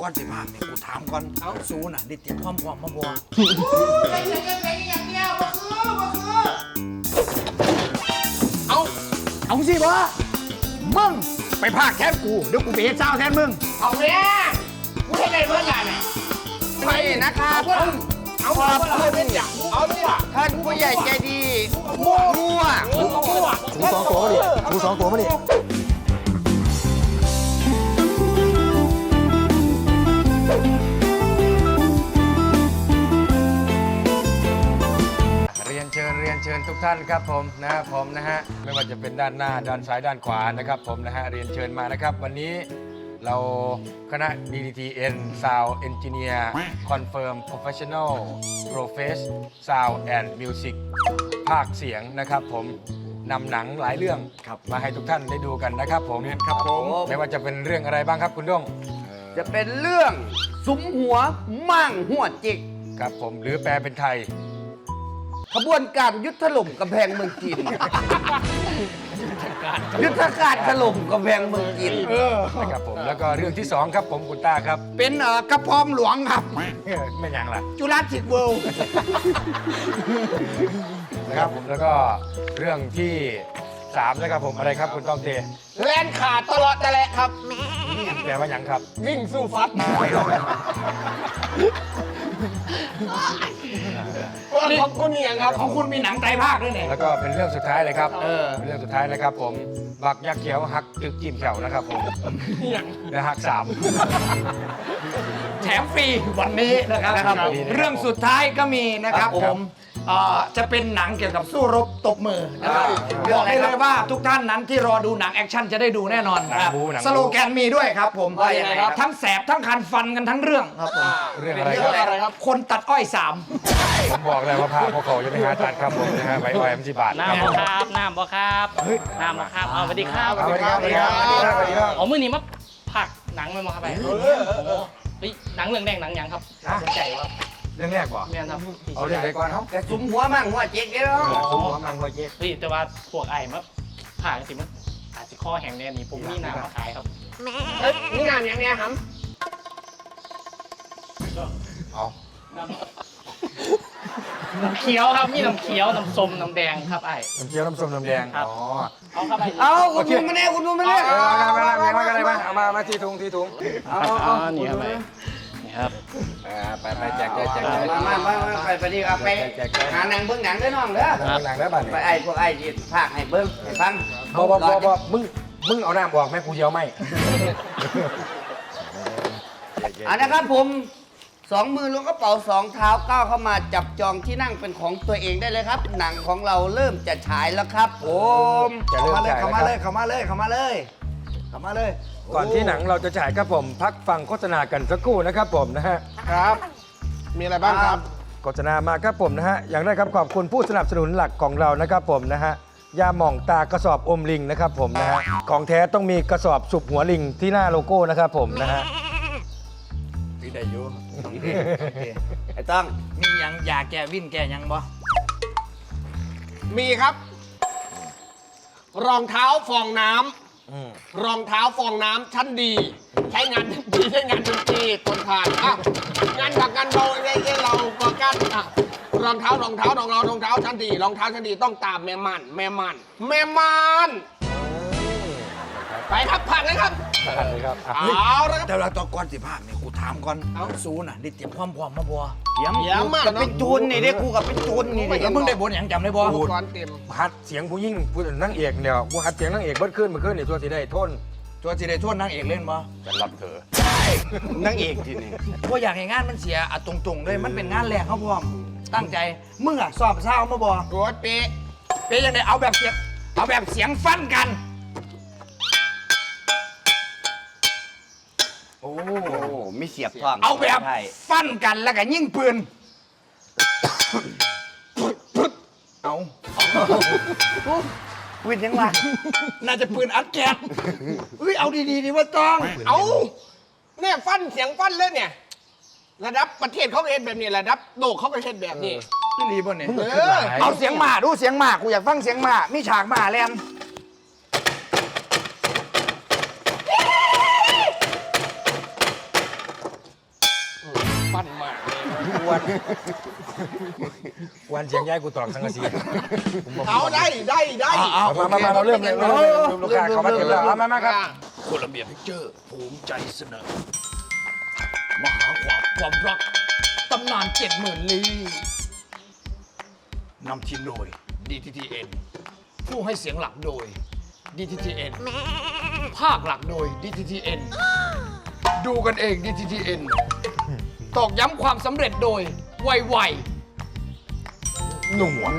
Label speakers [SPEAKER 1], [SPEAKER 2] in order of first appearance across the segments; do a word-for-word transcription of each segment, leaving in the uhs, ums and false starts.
[SPEAKER 1] ก่อนสิพาแม่กูถามก่อนเอาสูน่ะได้เตรียมความพร้อมมาบ่เอาเอาสิบ่มึงไปพากแทนกูเดี๋ยวกูไปเฮ็ดเช้าแทนมึงเอาแม่กูให้ได้เมื่อไหร่เนี่ยไปนะครับเอาเอาเอาเป็นอย่างเอาเนี่ยท่านผู้ใหญ่ใจดีมั่วมั่วมั่วชูสองตัวมาดิชูสองตัวมาดิ
[SPEAKER 2] เรียนเชิญเรียนเชิญทุกท่านครับผมนะครับผมนะฮะไม่ว่าจะเป็นด้านหน้าด้านซ้ายด้านขวานะครับผมนะฮะเรียนเชิญมานะครับวันนี้เราคณะ ดี ดี ที เอ็น Sound Engineer Confirm Professional Profess Sound and Music ภาคเสียงนะครับผมนำหนังหลายเรื่องมาให้ทุกท่านได้ดูกันนะครับผมครับผมไม่ว่าจะเป็นเรื่องอะไรบ้างครับคุณด้ง
[SPEAKER 3] จะเป็นเรื่องสุมหัวมั่งหัวจิก
[SPEAKER 2] ครับผมหรือแปลเป็นไทย
[SPEAKER 3] ขบวนการยุทธถล่มกำแพงเมืองจีนยุทธการถล่มกำแพงเมืองจีน
[SPEAKER 2] นะครับผมแล้วก็เรื่องที่สองครับผมคุณต้าครับ
[SPEAKER 1] เป็นเอ่อกระพองหลวงครับ
[SPEAKER 2] ไม่ยังล่ะ
[SPEAKER 1] จุฬาจิตเวิลด์
[SPEAKER 2] นะครับผมแล้วก็เรื่องที่สามนะครับผมอะไรครับคุณต้องเต
[SPEAKER 1] แล่นขาดตลอดแต่แหละครับ
[SPEAKER 2] แปลว่ายังครับ
[SPEAKER 1] วิ่งสู้ฟัดของคุณนี่ครับของคุณมีหนังไตรภาคด้วยเนี่ย
[SPEAKER 2] แล้วก็เป็นเรื่องสุดท้ายเลยครับเออเป็นเรื่องสุดท้ายนะครับผมบักยักษ์เขียวหักตึกจิ้มแขวนะครับผมและหักสาม
[SPEAKER 1] แถมฟรีวันนี้นะครับเรื่องสุดท้ายก็มีนะครับผมจะเป็นหนังเกี่ยวกับสู้รบตบมือนะครับบอกได้เลยว่าทุกท่านนั้นที่รอดูหนังแอคชั่นจะได้ดูแน่นอนครับสโลแกนมีด้วยครับผมทั้งแสบทั้งคันฟันกันทั้งเรื่องครับผม
[SPEAKER 2] เรื่องอะไร
[SPEAKER 1] ครับคนตัดอ้อยสาม
[SPEAKER 2] ผมบอกเลยว่าพาพวกเขาจะไปหาตัดครับผมนะฮะไว้ไว้มันสิบาท
[SPEAKER 4] น้ำบ่ครับน้ำบ่ครับน้ำบ่ครับเอาสวัสดีครับ
[SPEAKER 2] สวัสดีครับสวัสดีครับสวัสดีครับ
[SPEAKER 4] อ๋อมือนี้มาผักหนังมันมาครับไปโอ้โหหนังเรื่องแดงหนังยังครับสนใจว่า
[SPEAKER 2] เรื่องแรกบ่
[SPEAKER 4] เนี่ยครับ
[SPEAKER 2] เอาเรื่องไหนก่อนครับ
[SPEAKER 3] แต่สุมหัวมั่งหัวจิกเนาะ
[SPEAKER 2] สุมหัวมั่งหัวจิก
[SPEAKER 4] พี่แต่ว่าพวกไอ้มาผ่านสิมันอาจจะข้อแห่งเนี่ยนี่ผมมีน้ำมาขายครับ
[SPEAKER 3] เอ้ยนี่งานอย่างเนี้ยครับ
[SPEAKER 2] เอา
[SPEAKER 4] น้ำเขียวครับมีน้ำเขียวน้ำส้มน้ำแดงครับไอ้
[SPEAKER 2] น้ำเขียวน้ำส้มน้ำแดงอ๋อ
[SPEAKER 4] เอาครับไอ้
[SPEAKER 3] เอาคุณดูมาเนี่ยคุณดูมาเนี่ย
[SPEAKER 2] เอามามามาอะไรมาเอามามาที่ถุงที่ถุง
[SPEAKER 4] เอาเอานี่ครับไอ้นี่ครับ
[SPEAKER 2] ไปไปแจกแจกแจก
[SPEAKER 3] มามามาไปไปดีครับไปหาหนังเบิ้งหนังได้น้องเด้อ
[SPEAKER 2] หนังได้บ้าน
[SPEAKER 3] ไปไอ้พวกไอ้ที่ภาคให้เบิ้งให้ฟัง
[SPEAKER 2] บ่บ่บ่บ่มึงมึงเอาน้ำบอกแม่กูเยอะไหม
[SPEAKER 3] อ่ะนะครับผมสองมือล้วงกระเป๋าสองเท้าก้าวเข้ามาจับจองที่นั่งเป็นของตัวเองได้เลยครับหนังของเราเริ่มจะฉายแล้วครับผม
[SPEAKER 2] เข้ามาเลย
[SPEAKER 1] เข้ามาเลยเข้ามาเลยเข้ามาเลยเข้ามาเลย
[SPEAKER 2] ก่อนที่หนังเราจะฉายครับผมพักฟังโฆษณากันสักครู่นะครับผมนะฮะ
[SPEAKER 1] ครับมีอะไรบ้างครับ
[SPEAKER 2] โฆษณามาครับผมนะฮะอย่างแรกครับขอบคุณผู้สนับสนุนหลักของเรานะครับผมนะฮะยาหม่องตากระสอบอมลิงนะครับผมนะฮะของแท้ต้องมีกระสอบสุบหัวลิงที่หน้าโลโก้นะครับผมนะฮะ
[SPEAKER 1] พี่ได้อยู่
[SPEAKER 3] ไอ้ต้อง
[SPEAKER 1] มียังยาแก้วิ่นแก้ยังบ่
[SPEAKER 5] มีครับรองเท้าฟองน้ำรองเท้าฟองน้ำชั้นดีใช้งานดีใช้งานดนตรีทนทานอ่ะงานผักงานเบาไอ้เราก็กันอ่ะรองเท้ารองเท้ารองเรารองเท้าชั้นดีรองเท้าชั้นดีต้องตามแม่มันแม่มันแม่มันไปครับผ่านเลยครับ
[SPEAKER 2] ผ่านเลยครับ
[SPEAKER 5] เอาแล้วครับ
[SPEAKER 1] แต่เราต่อก่อนสิพาแม่กูถามก่อนเอาสูน่ะได้เตรียมความพร้อมมาบ่
[SPEAKER 3] เยี่ยมเยี่ยมกับเป็นจูนนี่เด็กกูกับเป็นจูนนี่
[SPEAKER 1] แล้วมึงได้บทอย่างจำได้บ่
[SPEAKER 5] ก่อนเต็ม
[SPEAKER 2] ฮัดเสียงผู้ยิ่งผู้นั่งเอกเนี่ยกูฮัดเสียงนั่งเอกเบิดขึ้นเมื่อคืนนี่ตัวสีได้ทน
[SPEAKER 1] ตัวสีได้ทนนางเอกเล่นบ่
[SPEAKER 2] จะรับเธอ
[SPEAKER 3] นั่งเอกทีนี่
[SPEAKER 1] ว่าอยากให้งานมันเสียอ่ะตรงๆเลยมันเป็นงานแรกเขาพร้อมตั้งใจมึงอ่ะสอบเช้ามาบ่
[SPEAKER 5] รถเป๊ะ
[SPEAKER 1] เป๊ะยังไงเอาแบบเสียงเอาแบบเสียงฟันกัน
[SPEAKER 3] โอ้ไม่เสียบท้อง
[SPEAKER 1] เอาแบบฟันกันแล้วก็ยิงปืนเอา
[SPEAKER 3] ปืนยังไง
[SPEAKER 1] น่าจะปืนอัดแก๊สเฮ้ยเอาดีๆดีว่าต้อง
[SPEAKER 5] เอาเนี่ยฟันเสียงฟันเลยเนี่ยระดับประเทศเขาเองแบบนี้ระดับโลกเขาก็เช่นแบบนี้
[SPEAKER 1] พี่รีบ่เนี่ยเอาเสียงหมาดูเสียงหมากูอยากฟังเสียงหมามีฉากหมาแลน
[SPEAKER 5] วันมากเลย
[SPEAKER 2] วันวันเสียงย้ายกูตอกสังกะสีผมบอก
[SPEAKER 5] เอาได้ได้ได้
[SPEAKER 2] เอามามามาเราเริ่มเลยเริ่มเลยลูกค้าเขามาเก็บแล้วเอามามาครับ
[SPEAKER 1] โคลัมเบียพิกเจอร์ภูมิใจเสนอ มหาความความรัก ตำนานเจ็ดหมื่นลี้นำทีมโดย ดี ที ที เอ็น ผู้ให้เสียงหลักโดย ดี ที ที เอ็น ภาคหลักโดย ดี ที ที เอ็น ดูกันเอง ดี ที ที เอ็น ตอกย้ำความสำเร็จโดย ไวๆหนุ่มวะ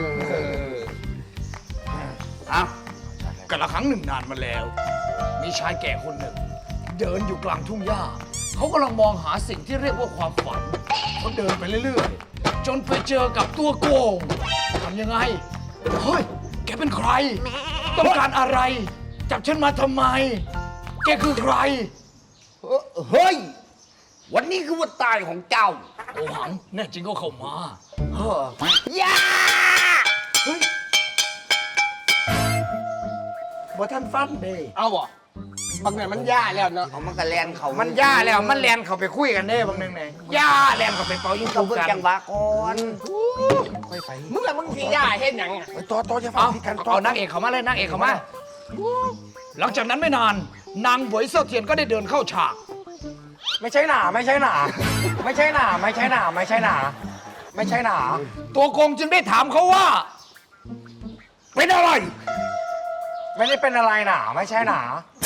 [SPEAKER 3] เอา
[SPEAKER 1] กันละครั้งหนึ่งนานมาแล้ว มีชายแก่คนหนึ่ง เดินอยู่กลางทุ่งหญ้า เขากำลังมองหาสิ่งที่เรียกว่าความฝัน เขาเดินไปเรื่อยๆ จนไปเจอกับตัวโกงทำยังไง เฮ้ย แกเป็นใคร ต้องการอะไร จับฉันมาทำไม แกคือใคร
[SPEAKER 3] เฮ้ย วันนี้คือวันตายของเจ้า
[SPEAKER 1] โอหัง แน่จริงก็เข้ามา
[SPEAKER 3] เฮ้ยยา
[SPEAKER 1] เฮ้ยบ่ท่านฟันเด้
[SPEAKER 5] เอาบ่บางเนี่ยมันย่าแล้วเนาะ
[SPEAKER 3] เอามันกระแลนเขา
[SPEAKER 1] มันย่าแล้ว มันแลนเขาไปคุยกันเด้บางนึงเนี่ยย่าแลนเขาไปเป่ายิง
[SPEAKER 3] ต้อ
[SPEAKER 1] สู
[SPEAKER 3] งเบิ่ง
[SPEAKER 1] กัน
[SPEAKER 3] จังหวะก่อน
[SPEAKER 2] ค่อยไป
[SPEAKER 5] มึงละมึงสิย่าเฮ็ดหยังอะ
[SPEAKER 2] ไปต่อต่อจะฟั
[SPEAKER 1] เอา
[SPEAKER 2] งพี่กันต่อ
[SPEAKER 1] เอานางเอกเขามาเลยนางเอกเขามา หลังจากนั้นไม่นาน นางบวยเซาเทียนก็ได้เดินเข้าฉาก
[SPEAKER 2] ไม่ใช่หนาไม่ใช่หนาไม่ใช่หนาไม่ใช่หนาไม่ใช่หนาไม่ใช่หนา
[SPEAKER 1] ตัวโกงจึงได้ถามเขาว่า เป็นอะไร
[SPEAKER 2] ไม่ได้เป็นอะไรหนาไม่ใช่หนา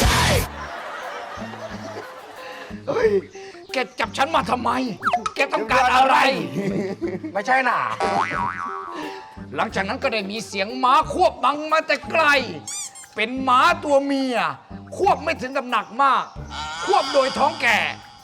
[SPEAKER 1] เฮ้ย แกจับฉันมาทำไม แกต้องการอะไร
[SPEAKER 2] ไม่ใช่หนา
[SPEAKER 1] หลังจากนั้นก็ได้มีเสียงม้าควบบังมาแต่ไกล เป็นม้าตัวเมีย ควบไม่ถึงกับหนักมาก ควบโดยท้องแก่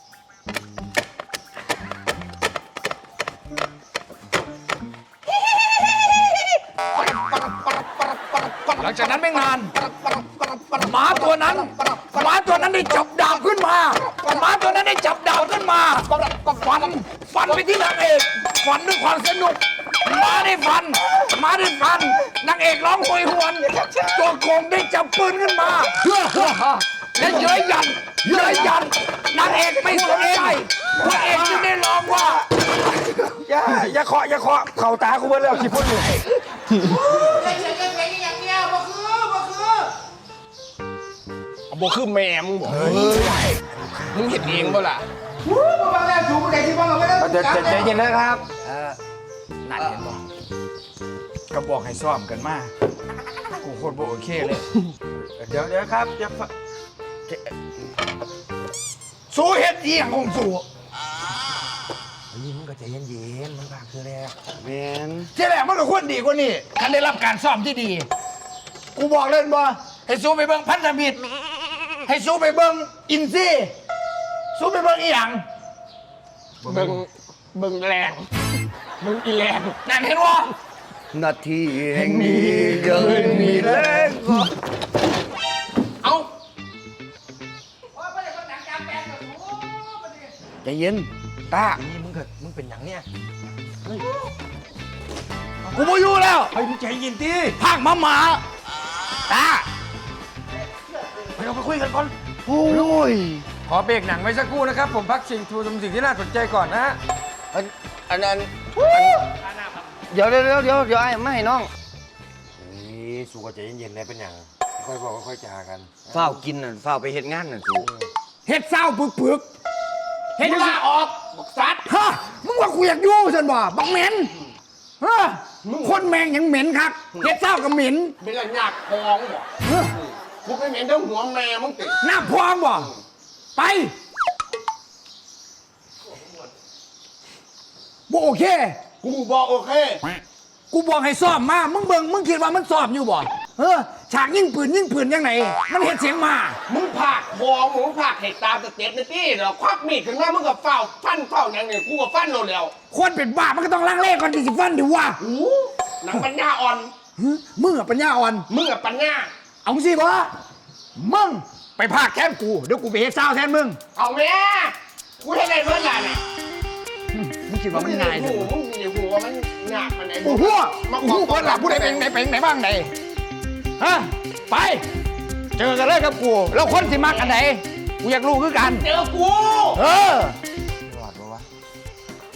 [SPEAKER 1] หลังจากนั้นไม่นานหมาตัวนั้นหมาตัวนั้นได้จับดาบขึ้นมาหมาตัวนั้นได้จับดาบขึ้นมาก็ฟันฟันไปที่นางเอกฟันด้วยความสนุกหมาได้ฟันหมาได้ฟันนางเอกร้องโหยหวนตัวโกงได้จับปืนขึ้นมาและเย้ยยันเย้ยยันนางเอกไม่สนใจพระเอกจึงได้ร้องว่า
[SPEAKER 2] อย่าอย่าเคาะอย่าเคาะเข่าตากูเบิ้ลแล้วขี้พ่นอยู่
[SPEAKER 5] บ่คือแม่มึงบ่มึงเห็นเองบ่ล่ะ
[SPEAKER 2] เดี๋ยวใจเย็นนะครับ
[SPEAKER 1] นั่นเห็นบ่ก็บอกให้ซ้อมกันมากูโคตรบ่โอเคเลย
[SPEAKER 2] เดี๋ยวเดี๋ยวครับอย่า
[SPEAKER 1] สู้เฮ็ดอีหยังของสู้
[SPEAKER 2] ยิ้มก็ใจเย็นๆมันบางคือแล้ว
[SPEAKER 3] แมน
[SPEAKER 1] ที่แรกมันก็ควรดีกว่านี้คันได้รับการซ้อมที่ดี กูบอกเลยบ่ให้สู้ไปเบิ่งพันธมิตรให้สู้ไปเบิ่งอินซี่สู้ไปเบิ่งอีหยัง
[SPEAKER 5] เบิ่งเบิ่งแรงเบิ่งอีแรง
[SPEAKER 1] นั่นเห็นบ่
[SPEAKER 3] นาทีแห่งนี้เกินมีแรงก็
[SPEAKER 5] เอา
[SPEAKER 3] ใจเย็น
[SPEAKER 1] ตา
[SPEAKER 2] นี่มึงเกิดมึงเป็นอย่างเนี้ย
[SPEAKER 1] กูบ่อยู่แล้ว
[SPEAKER 2] เฮ้ยมึงใจเย็นดิ
[SPEAKER 1] ภาคหมาหมาตา
[SPEAKER 2] ไปเราไปคุยกันก่อน
[SPEAKER 3] โอ้ย
[SPEAKER 2] ขอเบรกหนังไว้สักครู่นะครับ ผมพักสิ่งทูชมสิ่งที่น่าสนใจก่อนนะฮะ
[SPEAKER 3] อันอันนั้นเดี๋ยวเดี๋ยวเดี๋ยวเดี๋ยวเดี๋ยวไอ้ไม่ให้น้อง
[SPEAKER 2] นี่สู้ก็ใจเย็นๆเลยเป็นอย่างค่อยบอกค่อยจากัน
[SPEAKER 3] เฝ้าวกินน่ะเฝ้าวไปเฮ็ดงานน่ะสู
[SPEAKER 1] เฮ็ดเศร้าปึกปึกๆเฮ็ดลาออกบักสัตว์ฮะมึงว่ากูอยากอยู่ซั่นบ่บักเหม็นฮะคนแมงยังเหม็นครับเฮ็ดเศร้าก็เหม็น
[SPEAKER 5] เป็นละหยักพองบ่
[SPEAKER 1] เฮ้อ
[SPEAKER 5] กูไม่เห็นทั้งหัวแม่มึงติ
[SPEAKER 1] หน้าพองบ่ไปบ่โอเค
[SPEAKER 5] กูบอกโอเค
[SPEAKER 1] กูบอกให้ซ้อมมา มึงเบิ่งมึงคิดว่ามันซ้อมอยู่บ่เออฉากยิงปืนยิงปืนยังไงมันเห็นเสียงมา
[SPEAKER 5] มึงผากพองมึงผากเหตุตามสเต็ปในที่เหรอควักมีดขึ้นมามึงกับเฝ้าฟันเฝ้าอย่างนี้กูกับฟันโลดแล้ว
[SPEAKER 1] คนเป็นบ้ามันก็ต้องลังเลก่อนที่สิฟันดิวะ
[SPEAKER 5] อู้หนังปัญญาอ่อน
[SPEAKER 1] หึมึงอะปัญญาอ่อน
[SPEAKER 5] มึงกับปัญญา
[SPEAKER 1] เอาสิบ่มึงไปพากแทนกู เดี๋ยวกูไปเฮ็ดซาวแทนมึง
[SPEAKER 5] เอาแม่กูให้ได้เมื่อไหร่เนี่ย
[SPEAKER 1] มึงคิดว่ามันง่าย
[SPEAKER 5] หู
[SPEAKER 1] สิ
[SPEAKER 5] มึงมีหูว่ามันหนักมันไอ้
[SPEAKER 1] กูหัวกูหัวเปิดหลับผู้ใดเป็นไหนเป็นไหนบ้างไหนฮะไป เจอกันเลยกับกู แล้วคนสิมักอันไหนกูอยากรู้คือกัน
[SPEAKER 5] เจอกู
[SPEAKER 1] เออ
[SPEAKER 2] รอดปะวะ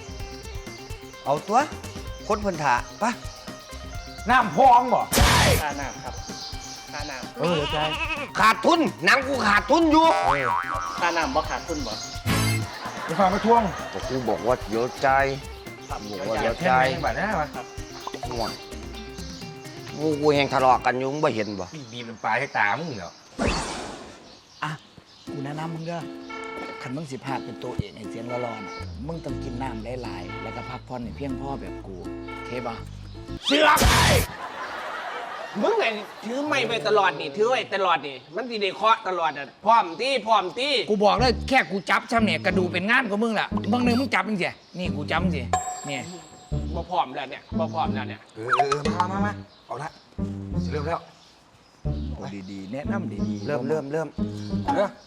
[SPEAKER 3] เอาตัวคนเพิ่นถาปะ
[SPEAKER 1] น้ำพองบ่
[SPEAKER 4] ค่าน้ำครับค่าน้
[SPEAKER 1] เออใจ
[SPEAKER 3] ขาดทุนหนังกูขาดทุนอยู่
[SPEAKER 4] ำค่าน้ำบ่ขาดทุนบ่
[SPEAKER 1] จะฟังมาทวง
[SPEAKER 3] ก็กูบอกว่าเดี๋ยวใจบอกว่าเดี๋ยวใจ
[SPEAKER 1] แค่ไหนบ้านะวะ
[SPEAKER 3] ห่วงกูกูแหงทะเลาะกันอยู่มึงไม่เห็นบ่
[SPEAKER 2] บีบน้ำปลาให้ตามึงเหรอ
[SPEAKER 6] อ่ะ กูแนะนำมึงเด้อคันมึงสิพาดเป็นตัวเองไอ้เสียงร้อนๆมึงต้องกินน้ำหลายๆแล้วก็พักผ่อนให้เพียงพอแบบกูโอเคป่ะ
[SPEAKER 5] เสือกมึงไงถือไม่ไปตลอดนี่ถือไว้ตลอดนี่มันสิได้เคาะตลอดอ่ะพร้อมที่พร้อมที่
[SPEAKER 6] กูบอกเลยแค่กูจับช่ำเนี่ยกระดูกเป็นงานของมึงละบางหนึ่งมึงจับมึงเสียนี่กูจับมึงเสียเนี่ย
[SPEAKER 5] บ่พร้อมแล้วเนี่ยบ่พร้อมแล้วเนี่ย
[SPEAKER 2] เออเออเออมามามาเอาละเริ่มแล้ว
[SPEAKER 6] โอ้ดีๆแนะนำดีๆ
[SPEAKER 3] เริ่มเริ่มเริ่ม
[SPEAKER 2] เด้อ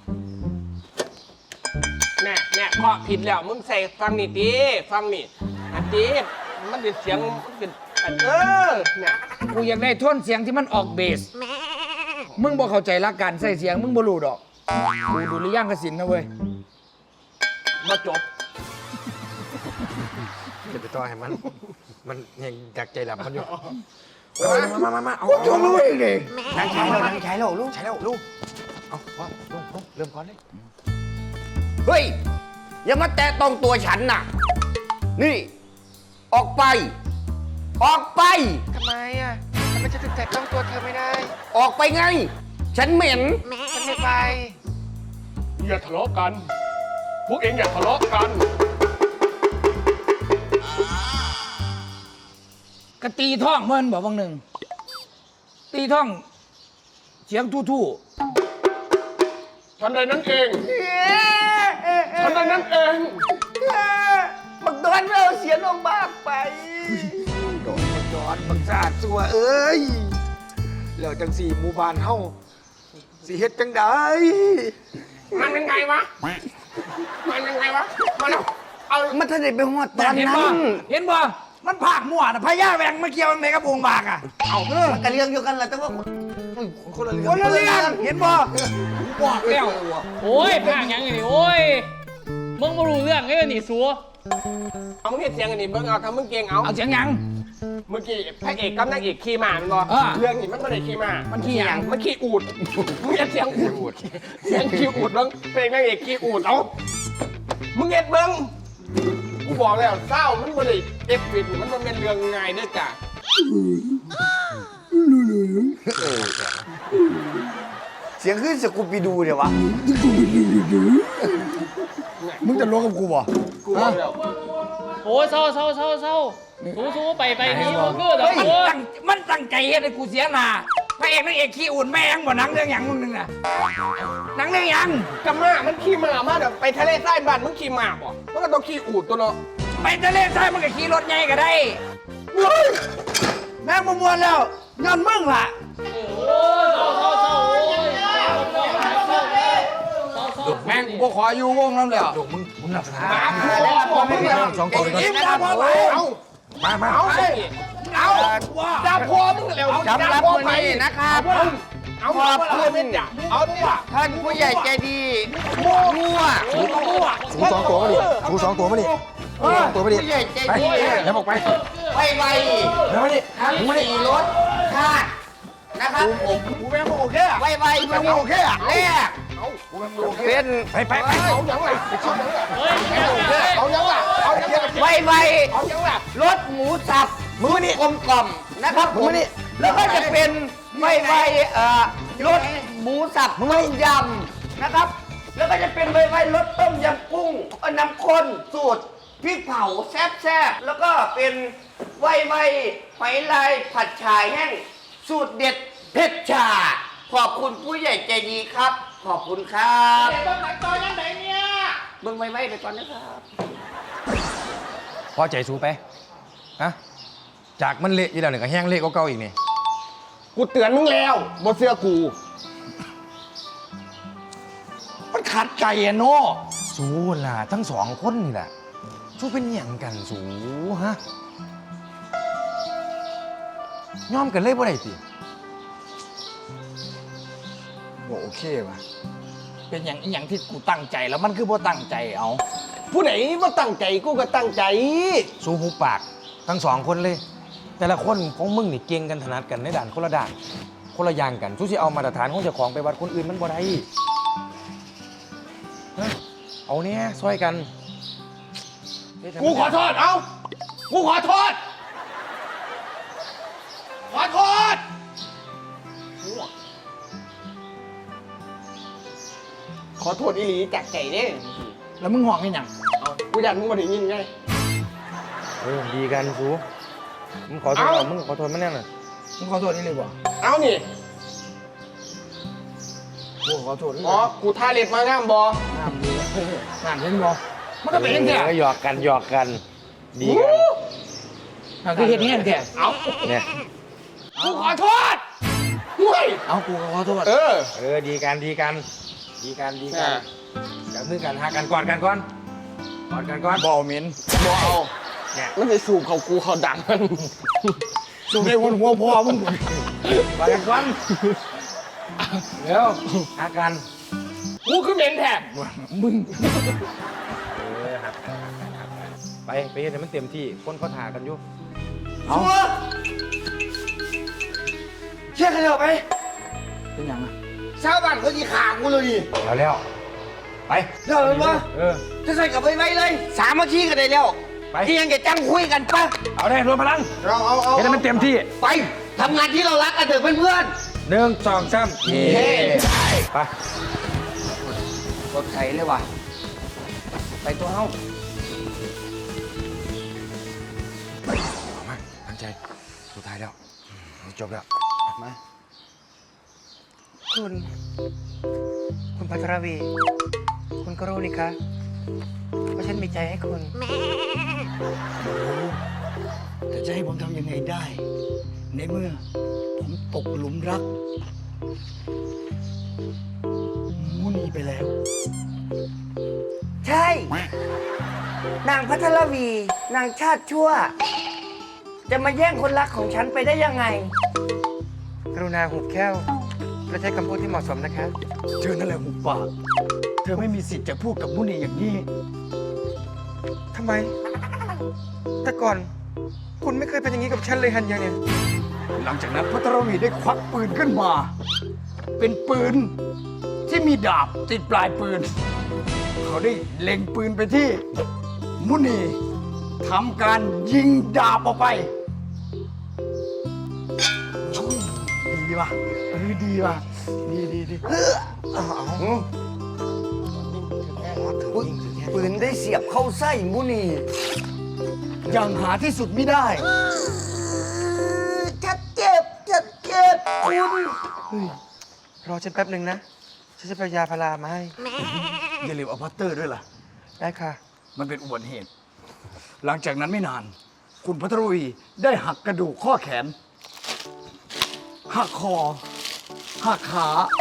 [SPEAKER 5] แน่แน่เคาะผิดแล้วมึงใส่ฟังนี่ตีฟังนี่อันตีมันเป็นเสียงมันเป็นอันเออเนี่ย
[SPEAKER 6] กูอยากได้ท่อนเสียงที่มันออกเบสมึงบอกเข้าใจหลักการใส่เสียงมึงบ่รู้ดอกกูดูหรือยังกสินนะเว้ย
[SPEAKER 5] บ่จบ
[SPEAKER 2] จะไปต่อให้มัน มันยังจากใจหลับมันอยู่มามามามาเอา
[SPEAKER 6] จะรู้อีกเลย
[SPEAKER 3] นั่งใช้แล้วนั่งใช้แล้วลูก
[SPEAKER 2] ใช่แล้วลูกเอาพ่อลงลงเริ่มก่อนเลย
[SPEAKER 3] เฮ้ย อย่ามาแตะต้องตัวฉันน่ะ นี่ ออกไป ออกไป
[SPEAKER 7] ทำไมอ่ะทำไมจะถึงแตะต้องตัวเธอไม่ได้
[SPEAKER 3] ออกไปไง ฉันเหม็น
[SPEAKER 7] ฉันไม่ไป
[SPEAKER 5] อย่าทะเลาะกัน พวกเองอย่าทะเลาะกัน
[SPEAKER 6] กะตีท่องเมื่อนบอกบางหนึ่งตีท่อง เสียงทู่
[SPEAKER 5] ทันใดนั้นเองทันใดนั้นเอง
[SPEAKER 3] บักดอนเราเสียลงมากไป
[SPEAKER 2] โดนมันย้อนบังซาดสัวเอ้ยแล้วจังสี่หมู่บ้านเฮาสิเฮ็ดจังได
[SPEAKER 5] มันยังไงวะ มันยังไงวะ มาแล้วเอา
[SPEAKER 3] มันท่านได้ไปหอด
[SPEAKER 6] ๆ
[SPEAKER 3] ตอน
[SPEAKER 6] เห็น
[SPEAKER 3] นั้
[SPEAKER 6] บ่
[SPEAKER 3] น
[SPEAKER 6] เห็นบ่มันผากมั่วนะพญาแหวงมาเกี่ยวในกระโปรงบากอ่ะ
[SPEAKER 3] เอามันกระเรื่องเดียวกันแหละแต่ว่า
[SPEAKER 2] คนละเรื่อง
[SPEAKER 6] คนละเรื่องเห็นบ่บอกแล้ว
[SPEAKER 4] โอ้ยพากหยังไงนี่โอ้ยมึงบ่รู้เรื่องไอ้นี่สัว
[SPEAKER 5] เอามึงเห็นเสียงอันนี้เบิ่งเอาทำมึงเก่งเอา
[SPEAKER 6] เอาเสียงหยัง
[SPEAKER 5] เมื่อกี้พระเอกกับนางเอกขี่ม้ามันบอ
[SPEAKER 6] อ่า
[SPEAKER 5] เรื่องนี้มันไม่ได้ขี่ม้า
[SPEAKER 6] มันขี้หยัง
[SPEAKER 5] มันขี่อูดมึงเห็นเสียงอูดเสียงขี่อูดเบิ่งเพลงนางเอกขี่อูดเอามึงเห็นเบิ่งกูบอกแล้วเศร้ามันไม่ได้เอฟวิดมันมันเป็นเรื่องง่ายเด้อจ้ะ
[SPEAKER 3] เสียงขึ้นสกูปีดูเดี๋ยววะ
[SPEAKER 6] มึงจะลวงกับกูบ่
[SPEAKER 5] กูบอกแล้ว
[SPEAKER 4] โอ้ยเศร้าเศร้าเศร้าเศร้าสู้สู้ไปไปนี่มันคือดอก
[SPEAKER 6] เฮ้ย
[SPEAKER 4] บัว
[SPEAKER 6] ตั้งมันตั้งใจเฮ็ดให้กูเสียหน้าพระเอกนางเอกขี้อุ่นแม่งบ่หนังเรื่องหยังมึงนึงน่ะหนังเรื่องหยัง
[SPEAKER 5] กับม้ามันขี่ม้ามาเดี๋ยวไปทะเลใต้บ้านมึงขี่ม้าบ่มันก็ต้องขี่อูดตัวเนาะ
[SPEAKER 6] ไปทะเลทรายมันก็ขี่รถใหญ่ก็ได้แม่งบ่ม่วนแล้วย้อนมึงล่ะ
[SPEAKER 4] โอ้ยเศร้าเศร้าเศร้าโอ้ยเศร้าเศร้าเศร้าเศร้าเศร้า
[SPEAKER 6] แม่งกูบ่ขออยู่วงนั้นแล้ว
[SPEAKER 2] ลูกมึงมึงหลับสถาน
[SPEAKER 5] มาพอมึงแล้ว
[SPEAKER 2] สองตัวไปก่อน
[SPEAKER 6] ยิ้มดาวพอไป
[SPEAKER 5] เอา
[SPEAKER 2] มามา
[SPEAKER 5] เอาสิเอา
[SPEAKER 6] ว่า
[SPEAKER 5] ดาพอมึงแล้ว
[SPEAKER 3] สำหรับวันนี้นะครับ
[SPEAKER 5] เอาขอบคุณเนี่ยเอาเนี่ย
[SPEAKER 3] ท่านผู้ใหญ่ใจดีมั่ว
[SPEAKER 2] สูสองตัวมาดิสูสองตัวมาดิสูสองตัวมาดิ
[SPEAKER 3] ผู้ใหญ่ใจ
[SPEAKER 2] ไป
[SPEAKER 3] ดี
[SPEAKER 2] เดี๋ยวบอกไป
[SPEAKER 3] ไวไว
[SPEAKER 2] เดี๋ยวมาดิ
[SPEAKER 3] ทั้งสี่รถคาดนะครับผม
[SPEAKER 5] กูแม่งโอเคอะ
[SPEAKER 3] ไวไวไม่โอเคอะแรกเป็น
[SPEAKER 2] ไปไปไป
[SPEAKER 5] เอาอย่างไรเอาอย่างไร
[SPEAKER 4] เฮ้ยไม่ได้
[SPEAKER 5] เอาอย่างไรเอาอย่างไร
[SPEAKER 3] ไวไว
[SPEAKER 5] เอาอย่างไร
[SPEAKER 3] รถหมูสับมือนี่กลมกล่อมนะครับผมแล้วก็จะเป็นไวไวเอ่อรถหมูสับต้มยำนะครับ แล้วก็จะเป็นไวไวรสต้มยำกุ้งเอ่อน้ำข้นสูตรพริกเผาแซ่บๆแล้วก็เป็นไวไวหอยลายผัดฉ่ายแห้งสูตรเด็ดเผ็ดชาขอบคุณผู้ใหญ่ใจดีครับ ขอบคุณครับ
[SPEAKER 5] เบิ้งหนังจอยังไหนเนี่ย
[SPEAKER 3] เบิ่งไวไวไปก่อนนะครับ
[SPEAKER 2] พอใจสูไปฮะจากมันเละยี่แล้วเนี่ยก็แห้งเละก็เก่าอีกนี่
[SPEAKER 5] กูเตือนมึงแล้วบนเสื้อกู
[SPEAKER 6] มันขัดใจอะโน่
[SPEAKER 2] สูล่ะทั้งสองคนนี่แหละสูเป็นหยังกันสูฮะยอมกันเลยบ่ได้ติ
[SPEAKER 6] บ่โอเคว่ะเป็นอย่างอีหยังที่กูตั้งใจแล้วมันคือบ่ตั้งใจเอา
[SPEAKER 5] ผู้ไหนว่าตั้งใจกูก็ตั้งใจ
[SPEAKER 2] สู้หูปากทั้งสองคนเลย แต่ละคนของมึงนี่เก่งกันถนัดกันในด่านคนละด่านคนละอย่างกันสู้สิเอามาตรฐานของเจ้าของไปวัดคนอื่นมันบ่ได้เฮ้ยเอาเนี้ยช่วยกัน
[SPEAKER 5] กูขอโทษ เอ้า กูขอโทษ ขอโทษ ขอโทษอีหลีจากใจเด้
[SPEAKER 6] แล้วมึงห่วงกันยัง
[SPEAKER 5] กูอยากมึงมาถึงยินไง
[SPEAKER 2] เออดีกันสู้มึงขอโทษ
[SPEAKER 5] เอ้า
[SPEAKER 2] เอามึงขอโทษมันแน่น่ะ
[SPEAKER 6] มึงขอโทษนี่เลยบ่
[SPEAKER 5] เอานี่
[SPEAKER 6] กูขอโทษนี่
[SPEAKER 5] อ๋อ กูท่าเล็บมางามบอ
[SPEAKER 6] น้ำดีน้ำเห็นบ่มันก็เป็นอย่างเงี้ย
[SPEAKER 2] ออหยอกกันหยอกกันดีกัน
[SPEAKER 6] น้ำคือเห็นแห้งแท้
[SPEAKER 5] เอา
[SPEAKER 2] เนี่ย
[SPEAKER 5] กูขอโทษเฮ้ย
[SPEAKER 6] เอากูก็ขอโทษ
[SPEAKER 5] เออ
[SPEAKER 2] เออดีกันดีกันดีกันดีกัน
[SPEAKER 5] อ่า
[SPEAKER 2] จับมือกันหากันกอดกันก่อนกอดกันก่อน
[SPEAKER 6] บ่เหม็น
[SPEAKER 5] บอเอา
[SPEAKER 2] เนี่ย
[SPEAKER 5] มันไปสูบเขากูเขาดังมัน
[SPEAKER 6] สูงในหัวหัวพ่อมึง
[SPEAKER 2] กอดกันก่อนเร็วหากัน
[SPEAKER 5] กูคือเหม็นแทบ
[SPEAKER 6] มึง
[SPEAKER 2] เออหักกันหักกันหักกันไปไปเฮ็ดให้มันเต็มที่คนเขาถ่ากันอยู่
[SPEAKER 6] เอา
[SPEAKER 3] เชื่อกันเถอะไป
[SPEAKER 6] เป็นยังอ่ะ
[SPEAKER 3] ชาวบ้านเขาจีขากูเลยดิ
[SPEAKER 2] แล้วแล้วไป
[SPEAKER 3] เดี๋ยวเลยปะ
[SPEAKER 2] เออ
[SPEAKER 3] จะใส่กลับไปไว้เลย สามัคคีกันได้แล้ว
[SPEAKER 2] ไป
[SPEAKER 3] ที่ยังจะจังคุยกันปะ
[SPEAKER 2] เอาได้รวมพลัง
[SPEAKER 5] เอาเอาเอา
[SPEAKER 2] เฮ็ดให้มันเต็มที่
[SPEAKER 3] ไปทำงานที่เรารักกันเถอะเพื่อน
[SPEAKER 2] หนึ่งสองสามเย้ไป
[SPEAKER 3] ๆรถไถเลยว่ะไปตัวเฮา
[SPEAKER 2] เอามาตั้งใจสุดท้ายแล้วจบแล้วมา
[SPEAKER 7] คุณ คุณพัทรวี คุณก็รู้นี่คะว่าฉันมีใจให้คุณ
[SPEAKER 6] แต่จะให้ผมทำยังไงได้ ในเมื่อ ผมตกหลุมรักมุนีไปแล้ว
[SPEAKER 3] ใช่ นางพัทรวี นางชาติชั่ว จะมาแย่งคนรักของฉันไปได้ยังไง
[SPEAKER 7] กรุณาหุบแค้วและใช้คำพูดที่เหมาะสมนะคะ
[SPEAKER 6] เธอนั่นแหละหุบปาก เธอไม่มีสิทธิ์จะพูดกับมุนีอย่างนี้
[SPEAKER 7] ทำไม แต่ก่อน คุณไม่เคยเป็นอย่างนี้กับฉันเลยฮันยังเนี่ย
[SPEAKER 6] หลังจากนั้นพัทรวีได้ควักปืนขึ้นมา เป็นปืนที่มีดาบติดปลายปืน เขาได้เล็งปืนไปที่ มุนีทำการยิงดาบออกไปดีว่ะเออดีว่ะดีดีดี
[SPEAKER 3] ปืนได้เสียบเข้าไส้มุนี
[SPEAKER 6] ยังหาที่สุดไม่ได้
[SPEAKER 3] ชัดเจ็บชัดเจ็บคุณ
[SPEAKER 7] รอฉันแป๊บหนึ่งนะ ฉันจะไปเอายาพารามาให้
[SPEAKER 6] อย่าลืมเอาพัตเตอร์ด้วยล่ะ
[SPEAKER 7] ได้ค่ะ
[SPEAKER 6] มันเป็นอุบัติเหตุ หลังจากนั้นไม่นาน คุณพัทรวีได้หักกระดูกข้อแขน หักคอ หักขา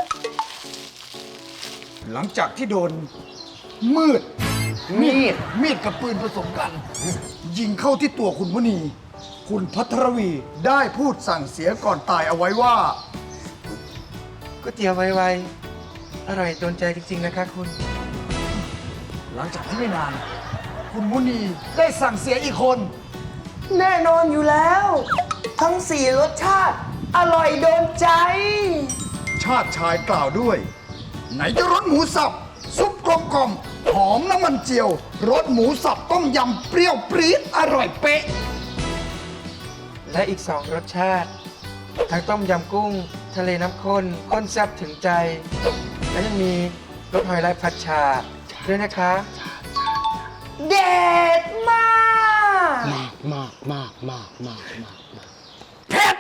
[SPEAKER 6] หลังจากที่โดน มืด มีด มีดกับปืนผสมกัน ยิงเข้าที่ตัวคุณมุนี คุณพัทรวีได้พูดสั่งเสียก่อนตายเอาไว้ว่า
[SPEAKER 7] ก๋วยเตี๋ยวไวๆ อร่อยโดนใจจริง ๆ นะคะคุณ
[SPEAKER 6] หลังจากที่ไม่นาน คุณมุนีได้สั่งเสียอีกคน
[SPEAKER 3] แน่นอนอยู่แล้ว ทั้งสี่รสชาติ อร่อยโดนใจ
[SPEAKER 6] ชาติชายกล่าวด้วย ไหนจะรสหมูสับ ซุปกลมกลมๆหอมน้ำมันเจียว รสหมูสับต้มยำเปรี้ยวปรี๊ดอร่อยเป๊ะ
[SPEAKER 7] และอีกสองรสชาติ ทั้งต้มยำกุ้ง ทะเลน้ำข้นข้นแซ่บถึงใจ และยังมีรสหอยลายผัดชาด้วยนะคะ
[SPEAKER 3] เด็ดมาก
[SPEAKER 5] มากมากมากมากมากมาก
[SPEAKER 3] เผ็ด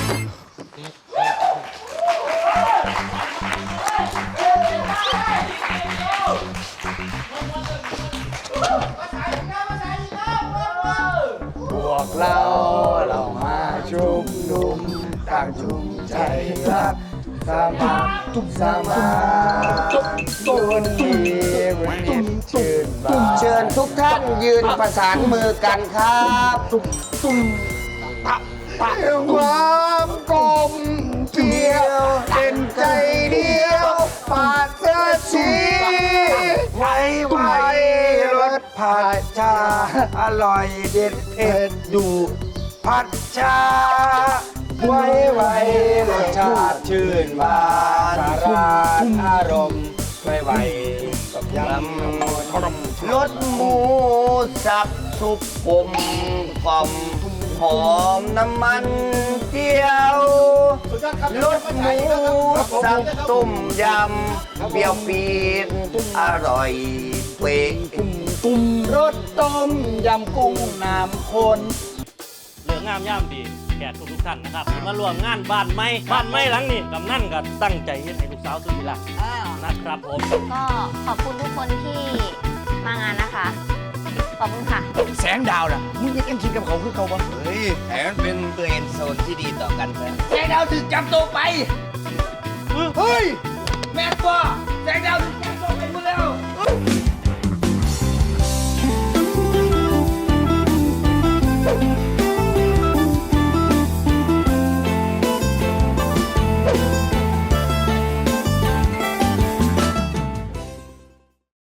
[SPEAKER 6] พวกเราเรามาชุมนุมต่างชุมใจรักสามัคทุกสามัคตุนดีวันนี้ชื่นบาน
[SPEAKER 3] เชิญทุกท่านยืนประสานมือกันครับ
[SPEAKER 6] ตุ้มตุ้มตะตะความกลมเกลียวเป็นใจเดียว
[SPEAKER 3] ปากเสื้อสีไว้ไว้รสผัดชาอร่อยเด็ดเผ็ดอยู่ผัดชาไว้ไว้รสชาติชื่นบานสาราอารมณ์ไว้ไว้ยำรสหมูสับสุกกลมกล่อมหอมน้ำมันเจียวรสหมูสับต้มยำเปรี้ยวปีนอร่อยเป๊ะ
[SPEAKER 6] ตุ่มรสต้มยำกุ้งน้ำข้น
[SPEAKER 8] เหลืองามย่ามดีแขกทุกทุกๆท่านนะครับที่มารวมงานบ้านไม้บ้านไม้หลังนี้กำนันก็ตั้งใจเฮ็ดให้ลูกสาวสุดที่รักนะครับผม
[SPEAKER 9] ก็ขอบคุณทุกคนที่มางานนะคะ ขอบคุณค่ะ
[SPEAKER 6] แสงดาวน่ะมึงยังคิดกับเขาคือเขาปะ
[SPEAKER 3] เฮ้ยแถมเป็นเฟรนด์โซนที่ดีต่อกันนะ
[SPEAKER 6] แสงดาวถึงจับตัวไป เฮ้ย แม่ตัวแสงดาวถึง